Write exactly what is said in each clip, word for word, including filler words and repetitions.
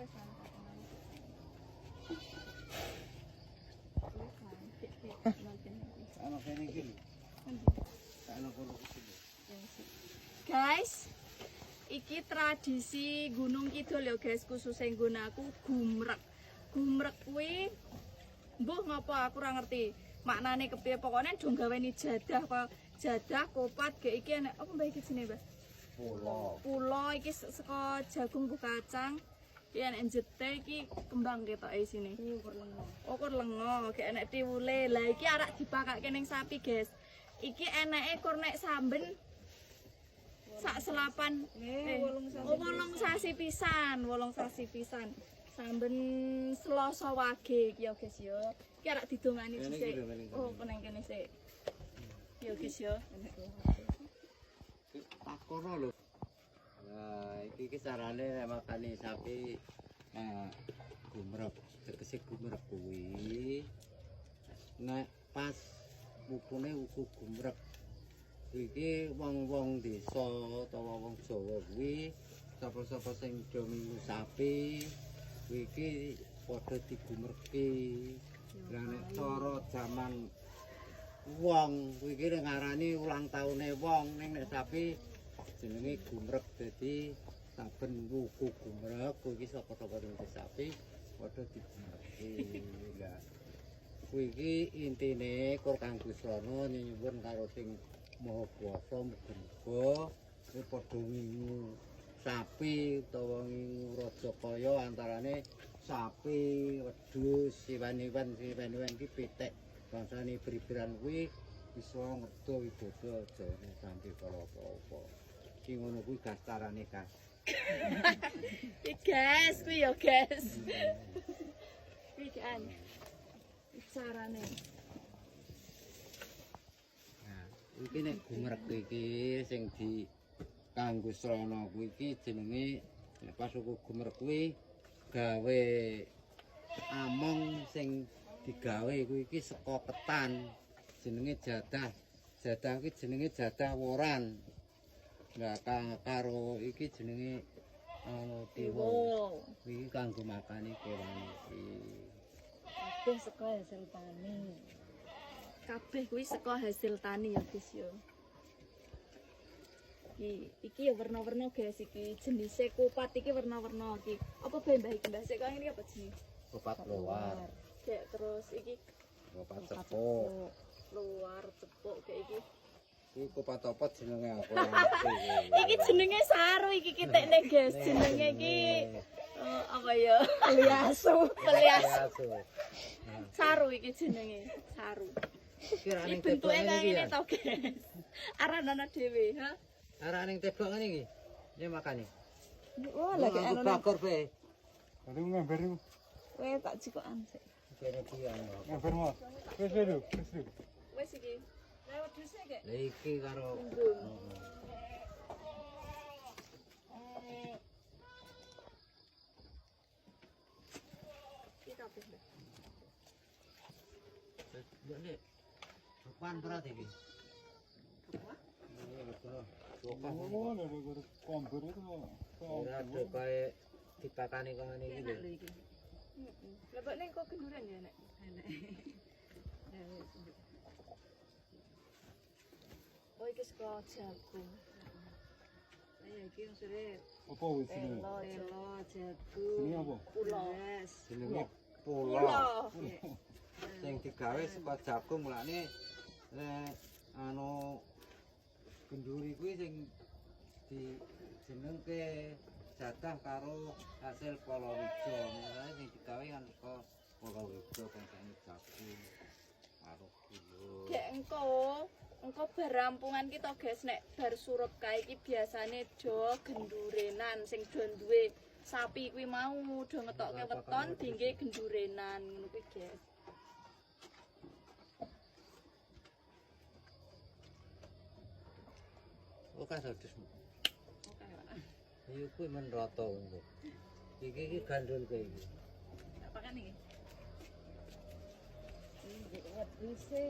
Guys, iki tradisi Gunung Kidul ya guys, khusus yang guna aku gumrek. Gumrek kuwi mbuh ngapa aku ora ngerti. Maknane kepiye pokoknya dong gaweni jadah kok jadah kopat ge iki enek apa mbah iki jenenge, Mbah? Pulo. Pulo iki saka jagung bu kacang. Iki enek jete iki kembang ketoke isine. Ukur lengo. Ukur lengo, ge enek tiwule. Lah iki arak dipakake ning sapi, guys. Iki eneke kur nek samben sak selapan eh wolung sasi pisan, wolung sasi pisan. Samben Selasa wage iki ya guys ya. Iki arek didongani dhisik. Oh, nang kene sik. Ya guys ya. Takono lho. Nah, iki iki carane nek makani sapi nah gumrek, tegese gumrek kuwi. Nek pas wukune wuku gumrek iki wong-wong desa utawa wong Jawa kuwi sapa-sapa sing do minggu sapi kuwi iki padha digumreki. Lah nek cara jaman wong kuwi iki ngarani ulang taune wong ning nek sapi jenenge gumrek. Dadi saben wuku gumrek kuwi sapa-sapa sing sapi padha digumreki. Lah kuwi iki intine kur kanggo srana nyuwun karo sing Maha Kuwasa muga-muga kuwi padha ngingu sapi utawa ngingu Rajakaya antarane sapi, wedhus, siwan-iwan, siwan-iwan iki pitik bangsane beribiran kuwi bisa ngerto ibadah jane sampe kala apa-apa. Iki ngono kuwi gastarane gas. Iki gas kuwi ya gas. Kuwi kan carane. Iki nek gumrek iki sing di kanggo srana kuwi iki jenenge nek pas uku gumrek kuwi gawe among sing digawe kuwi iki saka ketan jenenge jadah. Jadah kuwi jenenge jadah woran. Lah karo iki jenenge ana tiwo. Iki kanggo makani kewan iki. Kabeh saka hasil tani. Kabeh kuwi saka hasil tani ya guys ya. Iki iki ya warna-warna guys iki jenise kopat iki warna-warna iki. Apa bae mbah iki mbah sik kok ngene apa jenenge? Kopat luar. Kayak terus iki Kopat cepuk. Luar cepuk kayak iki. Iki kopat apa jenenge aku. Iki jenenge saru iki kitekne guys. Jenenge iki uh, apa ya? Liasu. Liasu. Saru iki jenenge, saru. Kirane bentuke kaya ngene to, guys. Aranana dhewe, ha? Arane tebak ngene iki. Ini makane. Oh, lagi anu bakar bae. Tadi ngamber niku. kowe tak jikokan sik. Kene kuwi anu. Ngamber Mas. Wis lho, wis lho. Wis iki. Lewat dhisik gek. Lah iki karo Iki kabeh. Mbak Nek. Kapan berat iki? Apa? Oh, lho lho komber itu. Ora ada kae dipakani kok ngene iki lho. Heeh. Lah mbok ning kok kenduran ya nek. Enak. Oh iki saka jagung. Ayo iki sore. Apa wis ini? Telo, telo, jagung. Ini apa? Pulo. Jenenge pulo. Sing digawe saka jagung mulane nek anu genduri kuwi sing di jenengke jadah karo hasil palawija. Mulane sing digawe kan saka palawija bangsane jagung karo pulo. Gek engko, engko berampungan kita guys nek bar surup kae iki biasane do gendurenan sing do duwe sapi kuwi mau do ngetokke weton dingge gendurenan ngono kuwi guys. Oke sadesmu. Oke, Pak. Iya kuwi men rata ngono. Iki iki gandul kowe iki. Tak pakan iki. Iki wedhuse.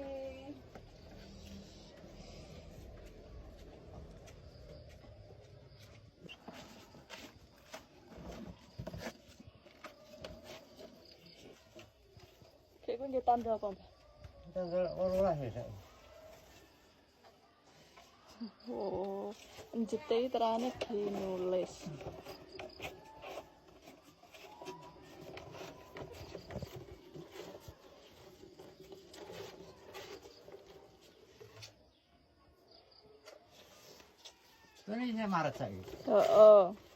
Iku nggih tanda apa, Mbah? Tanggal orolas ya, Sak. Oh, njete terane dinulis. Ini Maret saiki. Heeh.